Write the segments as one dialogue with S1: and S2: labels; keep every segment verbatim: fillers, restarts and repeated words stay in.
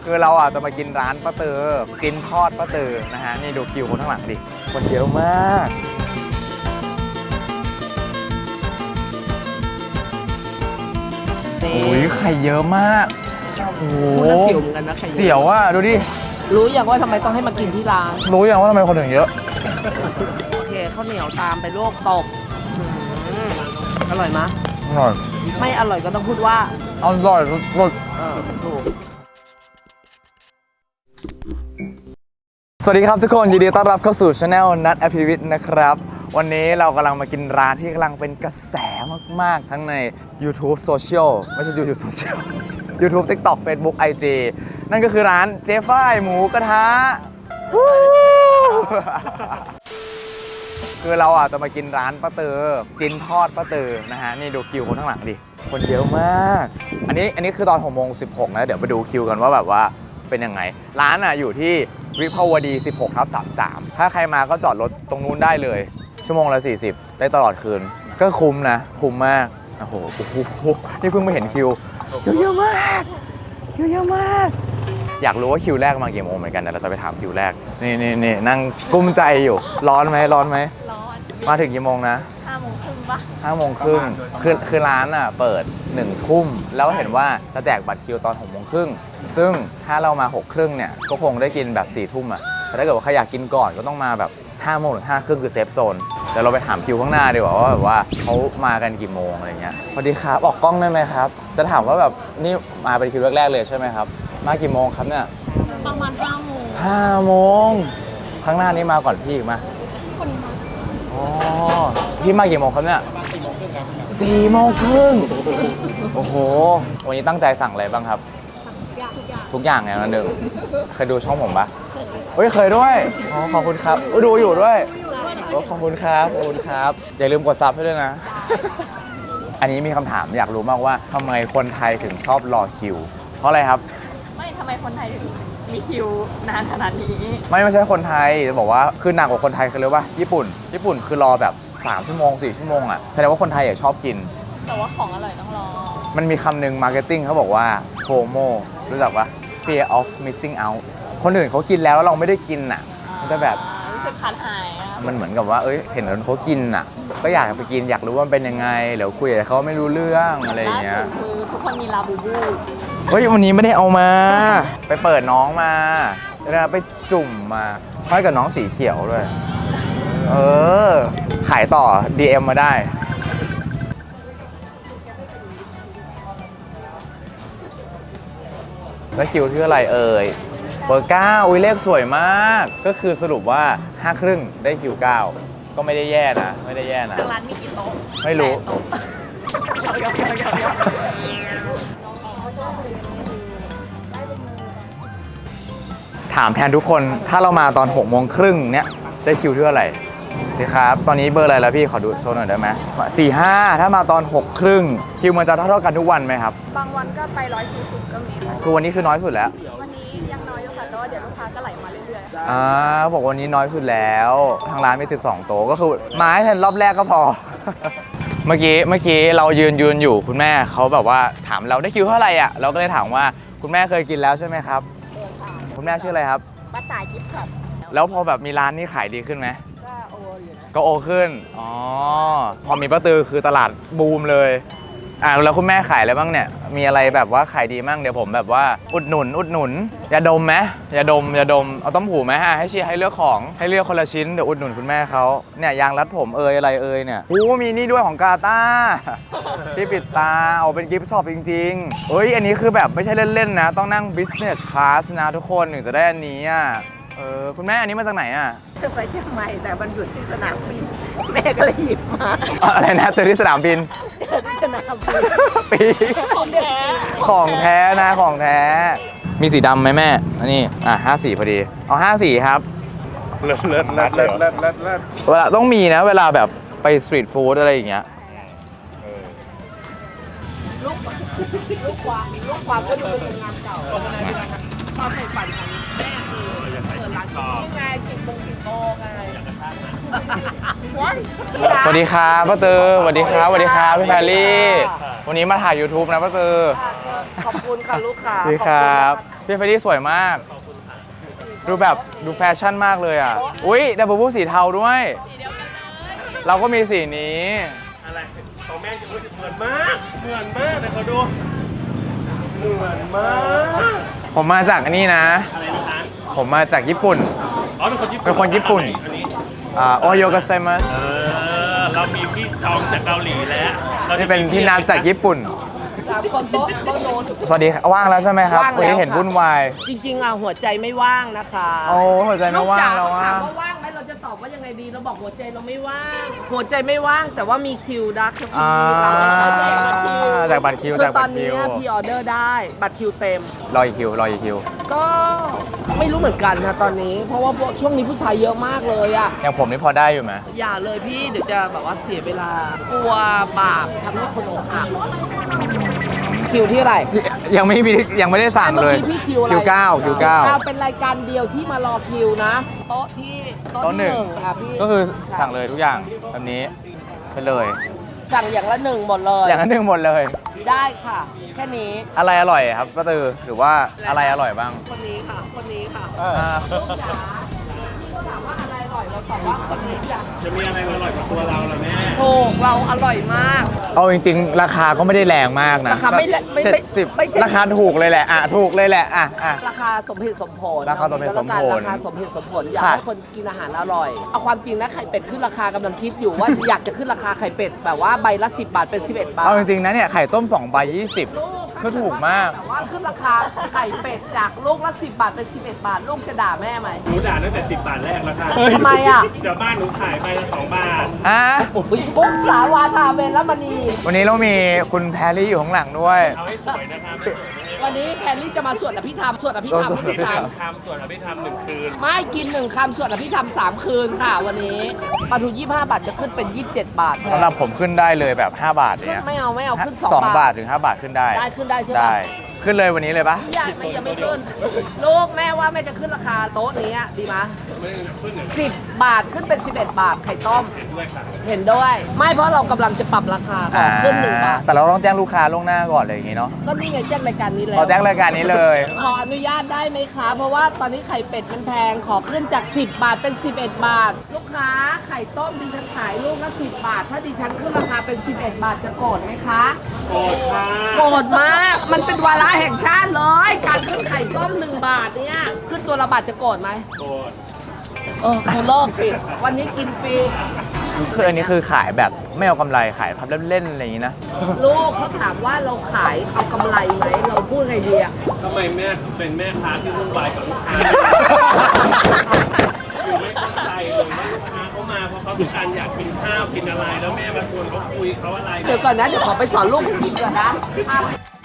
S1: คือเราอ่ะจะมากินร้านป้าเตอจินทอดป้าเตอนะฮะนี่ดูคิวคนข้างหลังดิคนเยอะมากโอ้ยไข่เยอะมากโอ้โหเสียวเหมือนกันนะเสียวอ่ะดูดิ
S2: รู้อย่างว่าทำไมต้องให้มากินที่ร้าน
S1: รู้อย่างว่าทำไมคนถึงเยอะ
S2: โอเคข้าวเหนียวตามไปลวกตกอร่อยมะ
S1: อร่อย
S2: ไม่อร่อยก็ต้องพูดว่า
S1: อร่อยสุดๆ
S2: เออถูก
S1: สวัสดีครับทุกคนยินดีต้อนรับเข้าสู่ช anel นัทอภิวิทย์นะครับวันนี้เรากำลังมากินร้านที่กำลังเป็นกระแสมากๆทั้งใน YouTube Social ไม่ใช่ YouTube Social YouTube TikTok Facebook ไอ จี นั่นก็คือร้านเจ๊ฝ้ายหมูกระทะคือเราอ่ะจะมากินร้านป้าเตอจินทอดป้าเตอนะฮะนี่ดูคิวคนข้างหลังดิคนเยอะมากอันนี้อันนี้คือตอนหกโมงสิบหกนะเดี๋ยวไปดูคิวกันว่าแบบว่าเป็นยังไงร้านอ่ะอยู่ที่วิภาวดีสิบหกทับสามสิบสามถ้าใครมาก็จอดรถตรงนู้นได้เลยชั่วโมงละสี่สิบได้ตลอดคืนก็คุ้มนะคุ้มมากโอ้โหนี่เพิ่งมาเห็นคิวคิวเยอะมากคิวเยอะมากอยากรู้ว่าคิวแรกมากี่โมงเหมือนกันแต่เราจะไปถามคิวแรกนี่นี่นี่นั่งกุ้มใจอยู่ร้อนไหมร้อนไหมร้อนมาถึงกี่โมงนะห้าโมงครึ่งปะห้าโมงครึ่งคือคือร้านอ่ะเปิดหนึ่งทุ่มแล้วเห็นว่าจะแจกบัตรคิวตอนหกโมงครึ่งซึ่งถ้าเรามาหกครึ่งเนี่ยก็คงได้กินแบบสี่ทุ่มอ่ะแต่ถ้าเกิดว่าใครอยากกินก่อนก็ต้องมาแบบห้าโมงถึงห้าครึ่งคือเซฟโซนเดี๋ยวเราไปถามคิวข้างหน้าดีกว่าว่าแบบว่าเขามากันกี่โมงอะไรเงี้ยสวัสดีครับออกกล้องได้ไหมครับจะถามว่าแบบนี่มาเป็นคิวแรกๆเลยใช่ไหมครับมากี่โมงครับเนี่ย
S3: ประมาณห้าโมง
S1: ห้าโมงข้างหน้านี้มาก่อนพี่อีกมา
S3: คนมา
S1: อ๋อพี่มากี่โมงครับเนี่ยสี่โมงครึ่งโอ้โหวันนี้ตั้งใจสั่งอะไรบ้างครับทุกอย่างอย่างละหนึ่งเคยดูช่องผมปะเฮ้ยเคยด้วยอ๋อขอบคุณครับดูอยู่ด้วยขอบคุณครับขอบคุณครับอย่าลืมกดซับให้ด้วยนะอันนี้มีคำถามอยากรู้มากว่าทำไมคนไทยถึงชอบรอคิวเพราะอะไรครับ
S3: ไม่ทำไมคนไทยถึงมีคิวนานขนาดนี้
S1: ไม่ไม่ใช่คนไทยจะบอกว่าคือหนักกว่าคนไทยคือเรียกว่าญี่ปุ่นญี่ปุ่นคือรอแบบสามชั่วโมงสี่ชั่วโมงอ่ะแสดงว่าคนไทยชอบกิน
S3: แต่ว่าของอร่อยต้องรอ
S1: มันมีคำหนึ่งมาร์เก็ตติ้งเขาบอกว่า โฟโม รู้จักปะ fear of missing out คนอื่นเขากินแล้วแล้วเราไม่ได้กินอ่ะมันจะแบบ
S3: รู้สึกขาดหาย
S1: มันเหมือนกับว่าเอ้ยเห็นคนเขากินอ่ะก็อยากไปกินอยากรู้ว่ามันเป็นยังไงเดี๋ยวคุยกับเขาไม่รู้เรื่องอะไรอย่างเงี้ย
S3: คือทุกคนมีลาบูบู
S1: เฮ้ยวันนี้ไม่ได้เอามาไปเปิดน้องมาแล้วไปจุ่มมาห้อยกับน้องสีเขียวด้วยเออขายต่อ ดี เอ็ม มาได้แล้วคิวที่อะไรเอ่ยเบอร์เก้าอุ้ยเลขสวยมากก็คือสรุปว่าห้าครึ่งได้คิวเก้าก็ไม่ได้แย่นะไม่ได้แย่นะ
S3: ร้านมีกี่โต๊ะ
S1: ไม่รู้ถามแทนทุกคนถ้าเรามาตอนหกโมงครึ่งเนี้ยได้คิวที่อะไรดีครับตอนนี้เบอร์อะไรแล้วพี่ขอดูโชว์หน่อยได้ไหมสี่ห้าถ้ามาตอนหกครึ่งคิวมันจะเท่าเท่ากันทุกวันไหมครับ
S3: บางวันก็ไปร้อยสี่สิบก็มี
S1: คือวันนี้คือน้อยสุดแล้ว
S3: วันนี้ยังน้อยอยู่ค่ะแต่ว่าเดี๋ยวลูกค้าก็ไหลมาเรื่อยๆ
S1: อ่าบอกวันนี้น้อยสุดแล้วทางร้านมีสิบสองโต๊ะก็คือมาให้ทันรอบแรกก็พอ เมื่อกี้เมื่อกี้เรายืนยืนอยู่คุณแม่เขาแบบว่าถามเราได้คิวเท่าไหร่อ่ะเราก็เลยถามว่าคุณแม่เคยกินแล้วใช่ไหมครับคุณแม่ชื่ออะไรครับ
S2: ป้าตายกิฟต์ครับ
S1: แล้วพอแบบมีร้านนี้ขายดีขึ้นไหม
S2: ก็โออยู่นะ
S1: ก็โอขึ้นอ๋อพอมีป้าตือคือตลาดบูมเลยอ่าแล้วคุณแม่ขายอะไรบ้างเนี่ยมีอะไรแบบว่าขายดีมั่งเดี๋ยวผมแบบว่าอุดหนุนอุดหนุนยาดมไหมยาดมยาดมเอาต้มหูไหมฮะให้เชียร์ให้เลือกของให้เลือกคนละชิ้นเดี๋ยวอุดหนุนคุณแม่เขาเนี่ยยางรัดผมเอยอะไรเอยเนี่ยโอ้มีนี่ด้วยของกาตาที่ปิดตาเอาเป็นกิฟต์ช็อปจริงๆเอ้ยอันนี้คือแบบไม่ใช่เล่นๆนะต้องนั่ง business class นะทุกคนถึงจะได้อันนี้อ่ะเออคุณแม่อันนี้มาจากไหนอ่ะ
S2: ไปเชียงใหม่แต่มันหยุดที่สนามบินแม่ก็เลยหยิบมา
S1: อะไรนะเจอที่สนามบิน
S2: เจอที่สนามบิน
S1: ปี
S3: ของแท้
S1: ของแท้นะของแท้มีสีดำไหมแม่อันนี้อ่ะห้าสีพอดีเอาห้าสีครับ
S4: เลิศเลิศเลิศเลิศเลิศเลิศเลิศ
S1: เวลาต้องมีนะเวลาแบบไปสตรีทฟู้ดอะไรอย่างเงี้ย
S2: ลูกลูกความลูกความก็ดูเป็นงานเก่าความใฝ่ฝันของแม่คือเปิดร้านนี่ไงกินโมงกินโมงไง
S1: สวัสดีครับป้าตือสวัสดีครับสวัสดีครับพี่แพรรี่วันนี้มาถ่าย YouTube นะป้าตือ
S2: ขอบคุณค่ะลูกค้า
S1: สวัสดีครับพี่เฟรดดี้สวยมาก ดูแบบดูแฟชั่นมากเลยอ่ะ อุ้ยดับเบิลบูสีเทาด้วย เราก็มีสีนี้
S4: อะไรของแม่จะเหมือนมากเหมือนมากแต่เขาดูเหมือนมาก
S1: ผมมาจากอันนี้นะ
S4: อะไรนะคะ
S1: ผมมาจากญี่ปุ่น
S4: อ๋อเป็นคนญี่ปุ่น
S1: เป็นคนญี่ปุ่น
S4: อันนี้
S1: อ่าโอโยกาเซมัส
S4: เออเรามีพี่จองจากเกาหลีแล้วรา
S1: นี่เป็นที่นัดจากญี่ปุ่น
S2: สามคนโต๊ะโต๊ะโน้น
S1: สวัสดีครับว่างแล้วใช่ไหมครับ
S2: ว่างแล้ว
S1: วันนี้เห็น
S2: ค่ะ
S1: วุ่นวาย
S2: จริงๆอ่ะหัวใจไม่ว่างนะคะ
S1: โอ้หัวใจไม่ว่างแล้ว
S2: ก
S1: ว่า
S2: จ๋ถามว่าว่างไหมเราจะตอบว่ายังไงดีเราบอกหัวใจเราไม่ว่าง หัวใจไม่ว่างแต่ว่ามีคิวดักคิว
S1: อ่า
S2: เราให้เขาได้บัตรคิว
S1: จากบัตรคิว
S2: คือ
S1: จาก
S2: ต
S1: บั
S2: อ
S1: ต
S2: น
S1: รคิ
S2: นี้
S1: ว
S2: พี่ออเดอร์ได้บัตรคิวเต็ม
S1: รออีกคิวรออีกคิว
S2: ก็ไม่รู้เหมือนกันนะตอนนี้ เพราะว่าพวกช่วงนี้ผู้ชายเยอะมากเลยอะ
S1: อย่างผมนี่พอได้อยู่ไหม
S2: อย่าเลยพี่เดี๋ยวจะแบบว่าเสียเวลากลัวบาปทำให้คนอกหักคิวที่อะไร
S1: ยังไม่มียังไม่ได้สั่งเลย
S2: มื่อกี้พี่คิวอะไร
S1: คิวเก้าคิวเก้า
S2: เป็นรายการเดียวที่มารอคิวนะ โต๊ะที่โต๊ะ
S1: โต๊ะหนึ่
S2: ที่
S1: ง
S2: หนึ่งอ่ะพี่
S1: ก็คือสั่งเลยทุกอย่างแบบนี้ไปเลย
S2: สั่งอย่างละหนึ่งหมดเลย
S1: อย่างนั้นหนึ่งหมดเลย
S2: ได้ค่ะ แค่นี้
S1: อะไรอร่อยครับป้าตือหรือว่าอะไรอร่อยบ้าง
S2: คนนี้ค่ะ คนนี้ค่ะ
S1: อ่า
S2: ลูกจ๋าพี่ก็ถามว่าอะไรอร่อยเราตอบว่าคนนี้จ้ะ
S4: จะมีอะไรอร่อยกว่าตัวเราล่ะแม่
S2: ถูกเราอร่อยมาก
S1: เอาจริงๆ ราคาก็ไม่ได้แรงมากนะ
S2: ราคาไม่แรงไม่
S1: เจ็
S2: ไม่
S1: ดสิบ
S2: ไม่ใช่
S1: ราคาถูกเลยแหละอ่ะถูกเลยแหละอ่ะอ่ะ
S2: ราคาสมเหตุสมผล
S1: ราคาสมเหตุสมผล
S2: ราคาสมเหตุสมผลอยาก
S1: ค่ะ
S2: ให้คนกินอาหารอร่อย เอาความจริงนะไข่เป็ดขึ้นราคากำลังคิดอยู่ว่า อยากจะขึ้นราคาไข่เป็ดแบบว่าใบละสิบบาทเป็นสิบเอ็ดบาท
S1: เอาจริงๆนะเนี่ยไข่ต้มสองใบยี่สิบก็ถูกมาก
S2: แต่ว่าขึ้นราคาไข่เป็ดจากลูกละสิบบาทเป็นสิบเอ็ดบาท ลูกจะด่าแม่ไหม
S4: หนูด่าตั้งแต่สิบบาทแรกแล้วค่ะ
S2: ทำไมอ่ะ
S4: เดี๋ยวบ้านหนูขายไปละสองบาท
S1: อ่ะ
S2: โอ้ยปุ๊กสาวาทาเวรมณี
S1: วันนี้เรามีคุณแพรรี่อยู่ข้างหลังด้วย
S4: เอาให้สวยนะคะไม่สวยไม่
S2: วันนี้แคนนี่จะมาสวดอภิธรรมสวดอภิธรรม
S1: สวดอภิธรรม
S4: คำส่วนอภิธรรมหนึ่งคืน
S2: ไม่กินหนึ่งคำสวดอภิธรรมสามคืนค่ะ วันนี้ปลาทูยี่สิบห้าบาทจะขึ้นเป็นยี่สิบเจ็ดบาท
S1: สำหรับผมขึ้นได้เลยแบบ ห้า บาท
S2: ขึ้น
S1: เนี่ย
S2: ไม่เอาไม่เอาขึ้นสอง
S1: สอง
S2: บา
S1: บา
S2: ท
S1: ทถึงห้าบาทขึ้นได้
S2: ได้ขึ้นได้ใช่ปะ
S1: ได้ขึ้นเลยวันนี้เลยปะ
S2: อย่าไม่ยังไม่ขึ้นลูกแม่ว่าแม่จะขึ้นราคาโต๊ะนี้อะดีไหมสิบบาทขึ้นเป็นสิบเอ็ดบาทไข่ต้ม
S4: ด้วยค่ะ
S2: เห็นด้วย ไม่เพราะเรากำลังจะปรับราคาขอขึ้นหนึ่งบาท
S1: แต่เราต้องแจ้งลูกค้าล่วงหน้าก่อนเลยอย่างงี้เนาะ
S2: ก็นี่ไงแจ้งรายการนี้แล้ว
S1: เราแจ้งรายการนี้เลย
S2: ขออนุญาตได้ไหมคะ เพราะว่าตอนนี้ไข่เป็ดมันแพง ขอขึ้นจาก สิบบาทเป็น สิบเอ็ดบาท ลูกค้าไข่ต้มดิฉันขายลูกละสิบบาท ถ้าดิฉันขึ้นราคาเป็น สิบเอ็ดบาทจะโกรธไหมคะ
S4: โกรธค่ะ
S2: โกรธมาก มันเป็นวาระแห่งชาติเลย การขึ้นไข่ต้มหนึ่งบาทเนี่ย ขึ้นตัวละบาทจะโกรธไหม
S4: โกรธ
S2: เออกูเลิกปิด วันนี้กินฟรี
S1: คืออันนี้คือขายแบบไม่เอากำไรขายทำเล่นๆอะไรอย่างนี้นะ
S2: ลูกเขาถามว่าเราขายเอากำไรไหม เราพูดไงดีอะ
S4: ทำไมแม่เป็นแม่ค้าที่วุ่นวายกับลูกค้าอยู่ไม่เข้าใจเลยว่าลูกค้าเขามาเพราะเขาต้องการอยากกินข้าวกินอะไร แล้วแม่มาชวนเขาคุยเขาอะไร
S2: เดี๋ยวก่อนนะ เดี๋ยวขอไปสอนลูกผมกินก่อนนะอ่ะ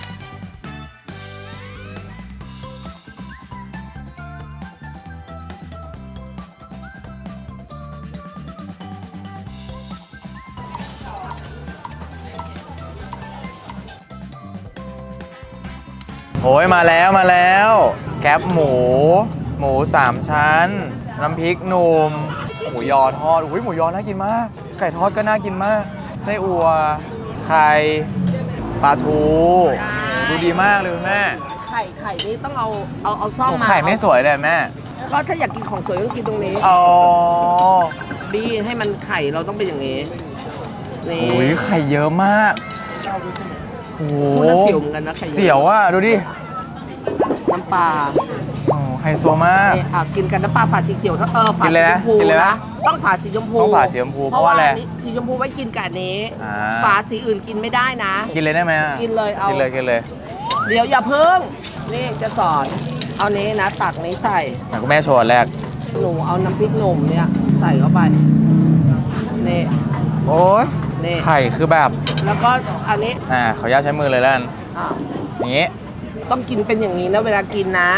S1: โอ้ยมาแล้วมาแล้ว แคปหมู หมูสามชั้น น้ำพริกหนุ่ม หมูยอทอดอุ้ยหมูยอน่ากินมาก ไก่ทอดก็น่ากินมาก ไส้อัว ไข่ปลาทูดูดีมากเลยคุณแม่
S2: ไข่ไข่นี่ต้องเอาเอาเอาซ่อม
S1: โอ้
S2: มา
S1: ไข่ไม่สวยเลยแม่
S2: ก็ถ้าอยากกินของสวยต้องกินตรงนี้
S1: อ๋อ
S2: บี้ให้มันไข่เราต้องเป็นอย่างนี้นี่
S1: โอ้ยไข่เยอะมากโอ้โห
S2: พูดแล้วเสียวเหมือนกันนะไข่อะ
S1: เสียวอ่ะดูดิ
S2: น้ำปลา
S1: โอ้ไฮโซมาก
S2: เนี่ยอ่ะกินกันน้ำปลาฝาสีเขียวถ้าเออฝา
S1: กิน
S2: สี
S1: เลย
S2: ช
S1: นะ
S2: มพู
S1: กินเลยนะ
S2: ต้องฝาสีชมพู
S1: ต้องฝาสีชมพูเพราะว่าอะไร
S2: นนี้สีชมพูไว้กินกับอันนี้
S1: อ่า
S2: ฝาสีอื่นกินไม่ได้นะ
S1: กินเลยได้ไหมอะ
S2: กินเลยเอากิ
S1: กินเลยกินเลย
S2: เดี๋ยวอย่าเพิ่งนี่จะสอนเอานี้นะ ตักนี้ใส่
S1: ไหนคุณแม่โชว์อันแรก
S2: หนูเอาน้ำพริกหนุ่มเนี่ยใส่เข้าไปนี่
S1: โอ้ย
S2: นี่
S1: ไข่คือแบบ
S2: แล้วก็อันนี้
S1: อ่าขออนุญาตใช้มือเลยแล้วกัน
S2: อ่ะ
S1: อย่างงี้
S2: ต้องกินเป็นอย่างนี้นะเวลากินนะ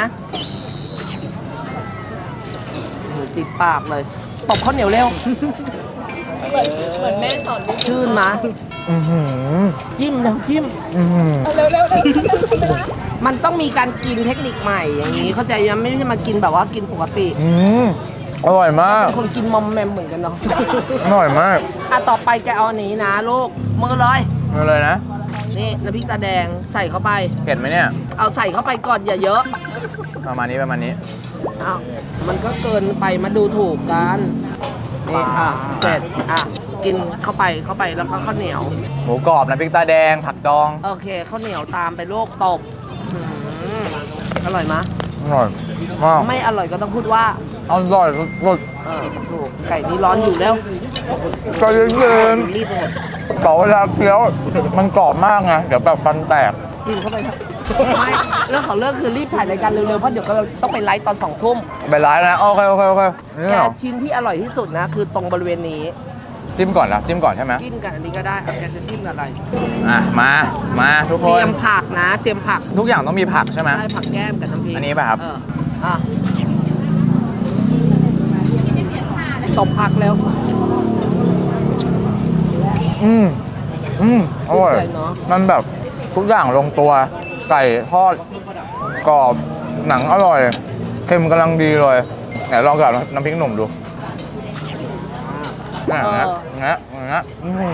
S2: โอ้โหติดปากเลยตบข้าวเหนียวเร็ว
S3: เหมือนเหมือนแม่สอนลูก
S2: ชื่นมา
S1: อือหือ
S2: จิ้มแล้วจิ้ม
S1: อือหือ
S3: เร็วเร็วเร็ว
S2: มันต้องมีการกินเทคนิคใหม่อย่างนี้ เข้าใจยังไม่ใช่มากินแบบว่ากินปกติ
S1: อืมอร่อยมาก
S2: เป็นคนกินมอมแมมเหมือนกันเนาะ
S1: อร่อยมาก
S2: อ่ะต่อไปแกเอาอันนี้นะลูกมือเลย
S1: มาเลยนะ
S2: นี่น้ำพริกตาแดงใส่เข้าไป
S1: เผ็ดไหมเนี่ย
S2: เอาใส่เข้าไปก่อนอย่าเยอะ
S1: ประมาณนี้ประมาณนี้
S2: อ้าวมันก็เกินไปมาดูถูกกันนี่อ่ะเสร็จอ่ะกินเข้าไปเข้าไปแล้วก็ข้าวเหนียว
S1: หมูกรอบน้ำพริกตาแดงผักดอง
S2: โอเคข้าวเหนียวตามไปโลกตบหืมอร่อยมะ
S1: อร่อยมาก
S2: ไม่อร่อยก็ต้องพูดว่า
S1: อร่อยสุด
S2: เออถูกไก่นี้ร้อนอยู่แล้ว
S1: ๆก็เย็นๆต่อเวลาเคี้ยวมันกรอบมากไงเดี๋ยวแบบฟันแตก
S2: กินเข้าไปครับไม่เรื่องของเรื่องคือรีบถ่ายรายการเร็วๆเพราะเดี๋ยวเราต้องไปไลฟ์ตอนสองทุ่ม
S1: ไปร้านนะโอเคโอเคโอเคนี่
S2: แก
S1: เหรอ
S2: ชิ้นที่อร่อยที่สุดนะ คือตรงบริเวณนี้
S1: จิ้มก่อนนะจิ้มก่อนใช่ไหม
S2: จิ้มกันอันนี้ก็ได้เอาแกจะจิ้มอะไร
S1: อ่ะมามาทุก
S2: เต
S1: ค
S2: รี
S1: น
S2: ยมผักนะ เตรียมผัก
S1: ทุกอย่างต้องมีผักใช่ไหม
S2: ได้ผักแก้มกับน้ำพริก
S1: อันนี้ป่ะครับ
S2: เอออ่ะตบผักแล้ว
S1: อืมอืมอร่อย
S2: ชื่นใจเนอะ
S1: มันแบบทุกอย่างลงตัวไก่ทอดกรอบหนังอร่อยเค็มกำลังดีเลยไหนลองกับน้ำพริกหนุ่มดูนี่อย่างเงี้ยอย่างเงี้ยอย่างเงี้ยโอ้โห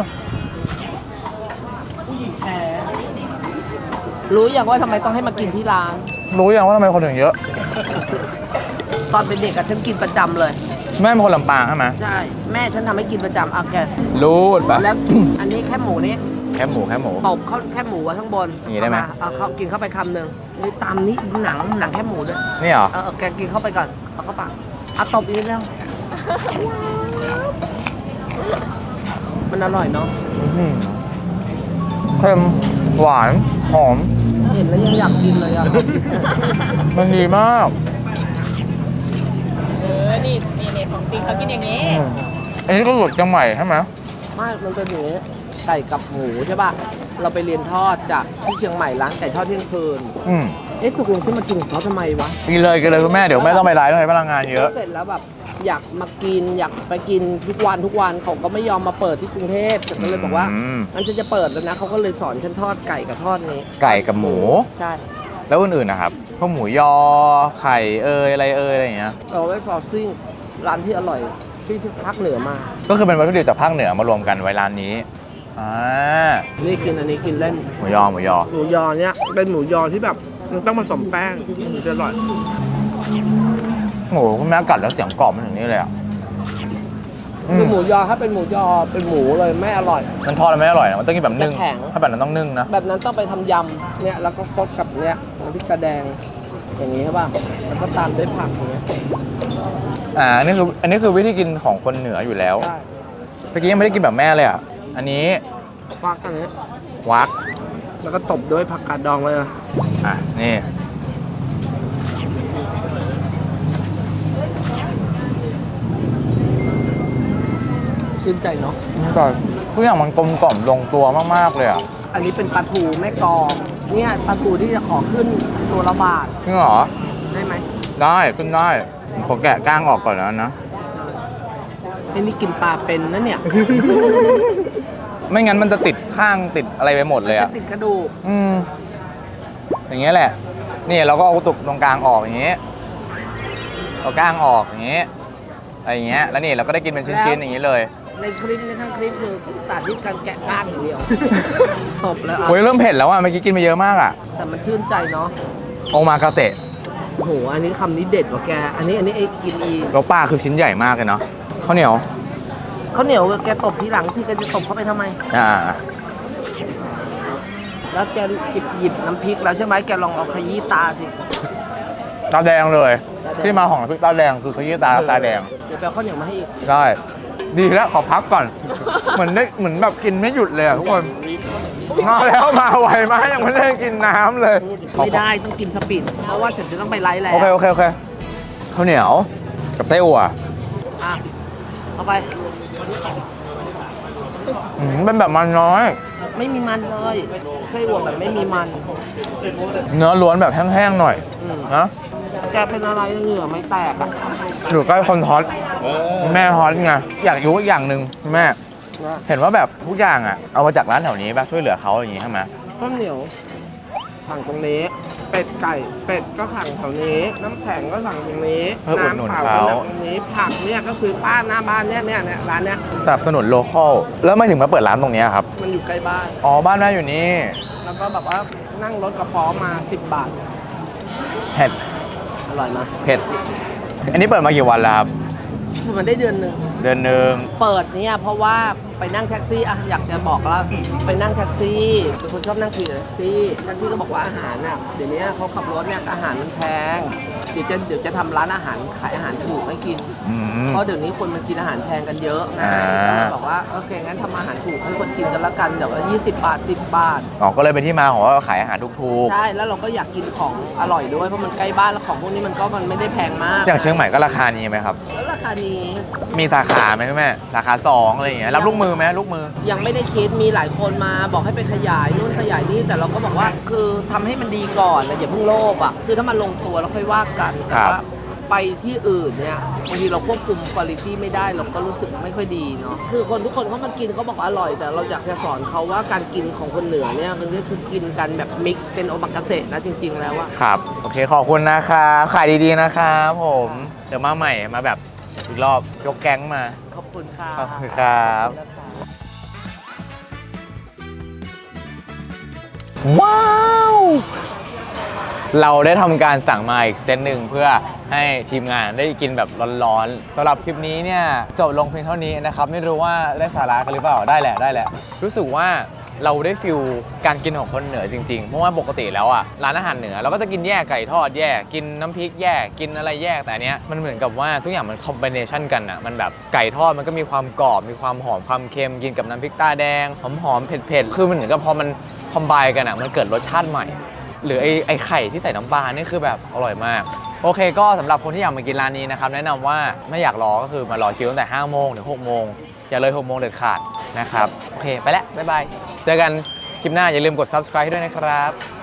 S2: รู้อย่างว่าทำไมต้องให้มากินที่ร้าน
S1: รู้ยังว่าทำไมคนถึงเยอะ
S2: ตอนเป็นเด็กอะฉันกินประจำเลย
S1: แม่เป็นคนลำปางใช่ไหม
S2: ใช่ แม่ฉันทำให้กินประจำเอาแก
S1: รูดปะ
S2: แล้วอันนี้แค่หมูนี่
S1: แค่หมูแค่หมู
S2: ตบเข้าแค่หมูไว้ข้างบน
S1: อย่างนี้ได้ไหม
S2: เอาาเอาเข้ากินเข้าไปคำหนึ่งนี่ตามนี้หนังหนังแค่หมูด้วย
S1: นี่เหรอ
S2: เออเออแกกินเข้าไปก่อนเอาเข้าปากเอาตบอีกนิดแล้วมันอร่อยเนาะ
S1: อื้อหือเค็มหวานหอม
S2: เห็นแล้วยังอยากกินเลยอ่ะ
S1: มันดีมาก
S3: เออ นี่นี่นี่ของจริงเขากินอย่างนี้
S1: อืมอันนี้ก็หลุดจังใหม่ใช่ไหม
S2: ไม่มันเป็นอย่างนี้ไก่กับหมูใช่ป่ะเราไปเรียนทอดจากที่เชียงใหม่ร้านไก่ทอดเที่ยงคืน
S1: อืม
S2: เอ๊ะตกลงที่มากินของเขาทำไมวะ
S1: กินเลยกินเลยคุณแม่เดี๋ยวแม่ต้องไปไลฟ์ต้องใช้พลังงานเยอะ
S2: เสร็จแล้วแบบอยากมากินอยากไปกินทุกวันทุกวันเขาก็ไม่ยอมมาเปิดที่กรุงเทพฉันก็เลยบอกว่า
S1: อืม
S2: งั้นฉันจะเปิดแล้วนะเขาก็เลยสอนฉันทอดไก่กับทอดนี้
S1: ไก่กับหมู
S2: ใช่
S1: แล้วอื่นๆนะครับพวกหมูยอไข่เอยอะไรเอยอะไรอย่างเงี้ย
S2: เราไว้ซอสซิ่งร้านที่อร่อยที่ภาคเหนือมา
S1: ก็คือเป็นวัตถุดิบจากภาคเหนือมารวมกันไว้ร้านนี้อ่า
S2: นี่กินอันนี้กินเล่น
S1: หมูยอหมูยอ
S2: หมูยอเนี้ยเป็นหมูยอที่แบบมันต้องผสมแป้งถึงจะอร่อย
S1: หมูคุณแม่กัดแล้วเสียงกรอบมันถึงนี่เลยอ่ะอื
S2: คือ
S1: ม
S2: หมูยอถ้าเป็นหมูยอเป็นหมูเลยไม่อร่อย
S1: มันทอดแล้วไม่อร่อยนะมันต้องกินแบบนึ่ง
S2: จะแข็ง
S1: ถ้าแบบนั้นต้องนึ่งนะ
S2: แบบนั้นต้องไปทำยำเนี่ยแล้วก็คดกับเนี้ยน้ำพริกตาแดงอย่างนี้ใช่ป่ะแล้วก็ตามด้วยผักอย่างเงี้ย
S1: อ่าอันนี้คืออันนี้คือวิธีกินของคนเหนืออยู่แล้ว
S2: ใช่
S1: เมื่อกี้ยังไม่ได้กินแบบแม่เลยอ่ะอันนี้
S2: ควักอันนี้
S1: วัก
S2: แล้วก็ตบด้วยผักกาดดองเลยนะ
S1: อ่ะนี่
S2: ชื่นใจเนาะ
S1: ก็ทุกอย่างมันกลมกล่อมลงตัวมากๆเลยอ่ะ
S2: อันนี้เป็นปลาทูแม่กลองเนี่ยปลาทูที่จะขอขึ้นตัวละบาท
S1: จริงเหรอ
S2: ได้ไหม
S1: ได้ขึ้นได้ผมขอแกะก้างออกก่อนแล้วนะ
S2: ไอ้นี่กินปลาเป็นนะเนี่ย
S1: ไม่งั้นมันจะติดข้างติดอะไรไปหมดเลย
S2: จะ
S1: อ่ะ
S2: ติดกระดูก
S1: อืมอย่างเงี้ยแหละ นี่เราก็เอาตุกตรงกลางออกอย่างเงี้ยเอาก้างออกอย่างเงี้ยอะไรอย่างเงี้ยแล้วนี่เราก็ได้กินเป็นชิ้นๆอย่างงี้เลย
S2: ในคลิปนี้ทั้งคลิปคือสาธิตการแกะก้างอย่างเดียว ตบแล้วอ่ะ
S1: โอ้ยเริ่มเผ็ดแล้วอ่ะเมื่อกี้กินไปเยอะมากอ่ะ
S2: แต่มันชื่นใจเนาะ
S1: โอมากาเสะ
S2: โอ้โหอันนี้คำนี้เด็ดกว่าแก อันนี้อันนี้ไอ้กินอี
S1: แล้วปลาคือชิ้นใหญ่มากเลยเนาะข้าวเหนียว
S2: ข้าวเหนียวแกตบทีหลังสิแกจะตบเข้าไปทำไม
S1: อ่า
S2: แล้วแกหยิบหยิบน้ำพริกแล้วใช่ไหมแกลองเอาขยี้ตาสิ
S1: ตาแดงเลย
S2: ตาแดง
S1: ที่มาของน้ำพริกตาแดงคือขยี้ตาตาแดง
S2: เดี๋ยวไปเอาข้าวเหนียวมาให้อีก
S1: ใช่ดีแล้วขอพักก่อน เหมือนได้เหมือนแบบกินไม่หยุดเลยอ่ะทุกคนมาแล้วมาไวมากยังไม่ได้กินน้ำเลย
S2: ไม่ได้ต้องกินสปีดเพราะว่าฉันจะต้องไปไลฟ์แล้ว
S1: โอเคโอเคโอเคข้าวเหนียวกับไส้อั่ว
S2: อ่ะเอาไป
S1: อืมเป็นแบบมันน้อย
S2: ไม่มีมันเลยไส้อั่วแบบไม่มีมัน
S1: เนื้อล้วนแบบแห้งๆหน่อย
S2: อืม
S1: นะ
S2: แกเป็นอะไรเหงื่อไม่แตกอ่ะ
S1: อยู่ใกล้คนฮอตแม่ฮอตไงอยากรู้อีกอย่างหนึ่งแม่
S2: นะ
S1: เห็นว่าแบบทุกอย่างอ่ะเอามาจากร้านแถวนี้ป่ะช่วยเหลือเขาอย่างงี้ใช่ไหม
S2: ข้าวเหนียวสั่งตรงนี้ เป็ดไก่เป็ดก็สั่งแถวนี้ น้ำแข็งก็สั่งตรงนี้
S1: เพื่ออุดหนุน
S2: น้ำเป
S1: เขา
S2: ล่าก็สั่งตรงนี้ผักเนี่ยก็ซื้อป้าหน้าบ้านเนี่ยเนี่ยเนี่ยร้านเนี้ย
S1: สนับสนุนโลคอลแล้วไม่ถึงมาเปิดร้านตรงเนี้ยครับ
S2: มันอยู่ใกล้บ้าน
S1: อ๋อบ้านแม่อยู่นี่
S2: แล้วก็แบบว่านั่งรถกระป๋อมาสิบบาท
S1: เห็ด
S2: อร่อยมาก
S1: เผ็ด อันนี้เปิดมากี่วันแล้วครับ
S2: มันได้เดือนหนึ่ง
S1: เดือนหนึ่ง
S2: เปิดเนี่ยเพราะว่าไปนั่งแท็กซี่อะอยากจะบอกแล้วไปนั่งแท็กซี่เป็นคนชอบนั่งขี่แท็กซี่แท็กซี่ก็บอกว่าอาหารน่ะเดี๋ยวนี้เขาขับรถเนี่ยอาหารมันแพงเดี๋ยวจะเดี๋ยวจะทำร้านอาหารขายอาหารถูกให้กิน
S1: อืม
S2: เพราะเดี๋ยวนี้คนมันกินอาหารแพงกันเยอะไง
S1: อ่า
S2: ก็เลยบอกว่าโอเคงั้นทำอาหารถูกให้คนกินกันละกันเดี๋ยวยี่สิบบาทสิบบาท
S1: อ๋อ ก็เลยเป็นที่มาของว่าขายอาหารถูก
S2: ใช่แล้วเราก็อยากกินของอร่อยด้วยเพราะมันใกล้บ้านแล้วของพวกนี้มันก็มันไม่ได้แพงมาก
S1: ๆ อย่างเชียงใหม่ก็ราคานี้ไหมครับ
S2: แล้วราคานี้
S1: มีสาขาไหมแม่สาขาสองอะไรอย่างเงี้ย รับลูกมือไหมลูกมือ
S2: ยังไม่ได้คิดมีหลายคนมาบอกให้ไปขยายนู่นขยายนี่แต่เราก็บอกว่าคือทำให้มันดีก่อนนะอย่าเพิ่งโลภอ่ะคือถ้ามันลงตัวเราค่อยว่ากันแต่
S1: ครับ
S2: ว่าไปที่อื่นเนี่ยบางทีเราควบคุมคุณภาพไม่ได้เราก็รู้สึกไม่ค่อยดีเนาะคือคนทุกคนเขามากินเขาบอกว่าอร่อย แต่เราอยากจะสอนเขาว่าการกินของคนเหนือเนี่ยมันก็คือกินกันแบบมิกซ์เป็นโอมากาเสะนะจริง ๆ แล้วอะ
S1: ครับ โอเค ขอบคุณนะครับขายดีๆนะครับผม เดี๋ยวมาใหม่มาแบบอีกรอบ ยกแก๊งมา
S2: ขอบคุณค่ะ
S1: ขอบคุณครับ ว้าว เราได้ทำการสั่งมาอีกเซตหนึ่งเพื่อให้ทีมงานได้กินแบบร้อนๆสำหรับคลิปนี้เนี่ยจบลงเพียงเท่านี้นะครับ ไม่รู้ว่าได้สาระกันหรือเปล่าได้แหละได้แหละ รู้สึกว่าเราได้ฟิลการกินของคนเหนือจริงๆ เพราะว่าปกติแล้วอ่ะร้านอาหารเหนือเราก็จะกินแยกไก่ทอดแยกกินน้ำพริกแยกกินอะไรแยกแต่อันเนี้ยมันเหมือนกับว่าทุกอย่างมันคอมบิเนชันกันอ่ะมันแบบไก่ทอดมันก็มีความกรอบมีความหอมความเค็มกินกับน้ำพริกตาแดงหอมๆเผ็ดๆคือมันเหมือนกับพอมันคอมไบกันอ่ะมันเกิดรสชาติใหม่ หรือไอ้ไอ้ไข่ที่ใส่น้ำปลานี่คือแบบอร่อยมากโอเคก็สำหรับคนที่อยากมากินร้านนี้นะครับแนะนำว่าไม่อยากรอก็คือมารอคิวตั้งแต่ห้าโมงถึงหกโมงอย่าเลยหกโมงเด็ดขาดนะครับโอเคไปแล้วบ๊ายบายเจอกันคลิปหน้าอย่าลืมกด ซับสไครบ์ ให้ด้วยนะครับ